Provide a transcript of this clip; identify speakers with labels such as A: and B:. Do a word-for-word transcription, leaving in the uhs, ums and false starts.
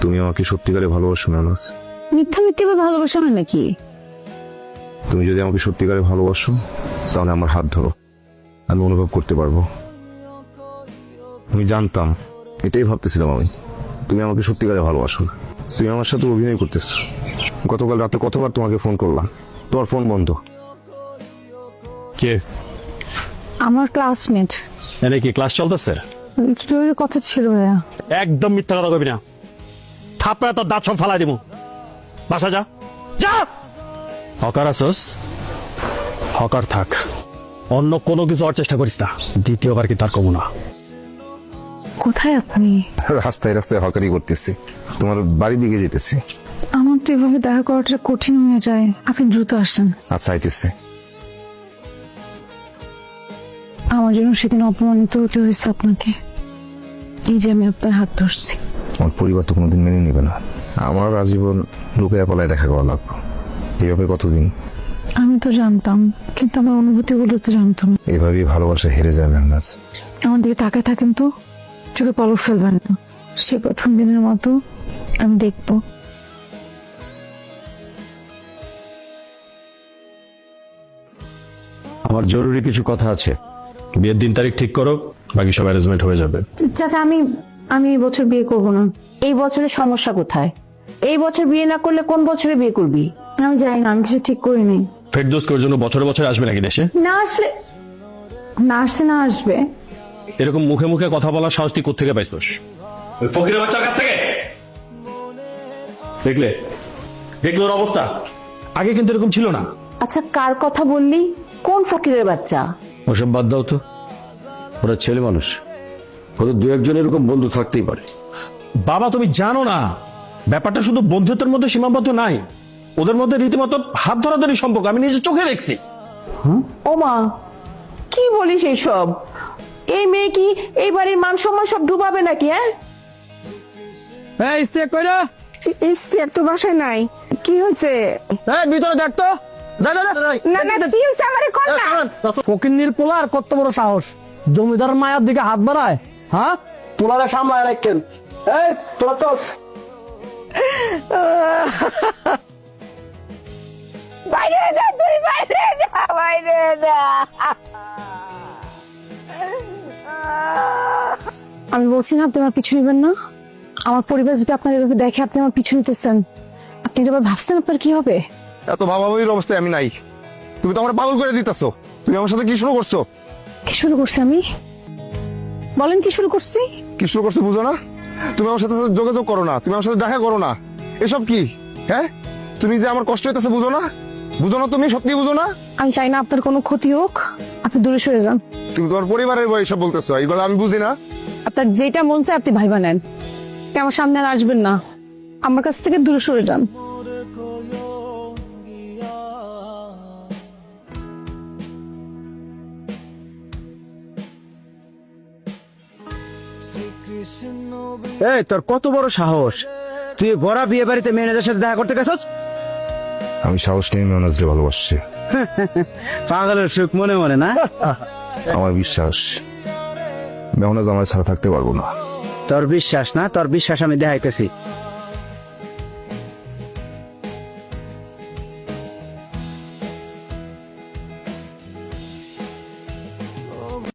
A: তুমি আমাকে সত্যিকারে ভালোবাসো মেহনাজ?
B: মিথ্যা মিথ্যা ভালোবাসা হয় নাকি?
A: তুমি যদি আমাকে সত্যিকারে ভালোবাসো তাহলে আমার হাত ধরো, আমি অনুভব করতে পারবো। আমি জানতাম, এটাই ভাবতেছিলাম আমি, তুমি আমাকে সত্যিকারে ভালোবাসো না। তুমি আমার সাথে অভিনয় করতেছো। গতকাল রাতে কতবার তোমাকে ফোন করলাম, তোমার ফোন বন্ধ।
C: কে?
B: আমার ক্লাসমেট।
C: এনে কি ক্লাস চলতেছে?
B: জরুরি কথা ছিল ভাইয়া।
C: একদম মিথ্যা কথা কবি না, থাপড়া তোর দাঁত সব ফালাই দিব। বাসা যা, যা। হকার আসস, হকার থাক, অন্য কোনো কিছু হওয়ার চেষ্টা করিস না। দ্বিতীয়বার কি তার কমু না।
B: কোথায় আপনি?
A: রাস্তায় রাস্তায় হকারি করতেছি, তোমার বাড়ির দিকে যেতেছি।
B: আমার তো এভাবে দেখা করাটা কঠিন হয়ে যায়, আপনি দ্রুত আসেন।
A: আচ্ছা আইতেছে।
B: আমার জন্য সেদিন অপমানিত হতে হয়েছে আপনাকে, এই যে আমি আপনার হাত ধরছি।
A: আমার পরিবার তো কোনোদিন মেনে নেবে না, আমার আজীবন লুকায়া পালায় দেখা করা লাগবে। এইভাবে কতদিন?
B: আমি তো জানতাম, কিন্তু আমার অনুভূতিগুলো তো জানতাম না।
A: এভাবেই ভালোবাসা হেরে যায় মেহনাজ।
B: আমার দিকে তাকায় থাকেন তো, চোখে পলক ফেলবেন না। সে প্রথম দিনের মতো আমি দেখবো।
C: আমার জরুরি কিছু কথা আছে, বিয়ের দিন তারিখ ঠিক করো, বাকি সব অ্যারেঞ্জমেন্ট হয়ে যাবে।
B: চাচা আমি আমি এই বছর বিয়ে করব না।
D: এই বছরের সমস্যা কোথায়? এই বছর বিয়ে না করলে কোন বছরে বিয়ে করবি?
B: আমি জানি না, আমি কিছু ঠিক করিনি।
C: ফেরদৌসের জন্য বছরে বছরে আসবে নাকি দেশে?
B: না আসলে না আসছে, না আসবে।
C: এরকম মুখে মুখে কথা বলার সাহস তুই কোত্থেকে পাইছস? ওই ফকিরের বাচ্চার কাছ থেকে? দেখলে দেখলে ওর অবস্থা, আগে কিন্তু এরকম ছিল না।
D: আচ্ছা কার কথা বললি? কোন ফকিরের বাচ্চা?
C: ওসব বাদ দাও তো, ওরা ছেলে মানুষ, ওদের দু একজন এরকম বন্ধু থাকতেই পারে। বাবা তুমি জানো না, ব্যাপারটা শুধু বন্ধুত্বের মধ্যে সীমাবদ্ধ নাই, ওদের মধ্যে রীতিমতো হাত ধরাধরি সম্পর্ক, আমি নিজের চোখে দেখছি।
D: ওমা, কি বলিস এইসব? এই মেয়ে কি এই বাড়ির মান সম্মান সব ডুবাবে নাকি? হ্যাঁ,
B: ইস্তিয়াক তো বাসায় নাই, কি হয়েছে?
C: ভিতরে দেখ তো।
B: না না, কি হয়েছে আমারে কল না।
C: ফকিন্নির পোলার কত বড় সাহস, জমিদার মায়ের দিকে হাত বাড়ায়। হ্যাঁ, পোলারে সামলায় রাখেন। এই তোরা চল।
D: বাইরে যা, তুই বাইরে যা, বাইরে যা।
B: আমি বলছি না আপনি আমার পিছু নিবেন না। আমার পরিবার যদি আপনার এভাবে দেখে আপনি আমার পিছু নিতেছেন, আপনি যদি আবার ভাবছেন আপনার কি হবে?
A: এত ভাবাভাবির অবস্থায় আমি নাই, তুমি তো আমার পাগল করে দিতেছো। তুমি আমার সাথে কি শুরু করছো?
B: কি শুরু করছি আমি? বলেন কি শুরু করছি?
A: কি শুরু করছো বুঝো না? তুমি আমার সাথে যোগাযোগ করো না, তুমি আমার সাথে দেখা করো না, এসব কি? হ্যাঁ, তুমি যে আমার কষ্ট হইতেছে বুঝো না? বুঝো না, তুমি সত্যি বুঝো না?
B: আমি চাই না আপনার কোনো ক্ষতি হোক, আপনি দূরে সরে যান।
A: তুমি তোমার পরিবারের বই সব বলতেছো, এইগুলো আমি বুঝি না।
B: আপনার যেটা মন চায় আপনি ভাইবা নেন, আপনি আমার সামনে আর আসবেন না, আমার কাছ থেকে দূরে সরে যান।
E: এই তোর কত বড় সাহস, তুই বড় বিয়ে বাড়িতে ম্যানেজারের সাথে দেখা করতে গেছস?
A: আমি সাহস নিয়ে মেহনাজকে ভালোবাসছি।
E: পাগলের সুখ মনে মনে না?
A: আমার বিশ্বাস মেহনাজ আমার ছাড়া থাকতে পারবো না।
E: তোর বিশ্বাস না, তোর বিশ্বাস আমি দেখাইতেছি।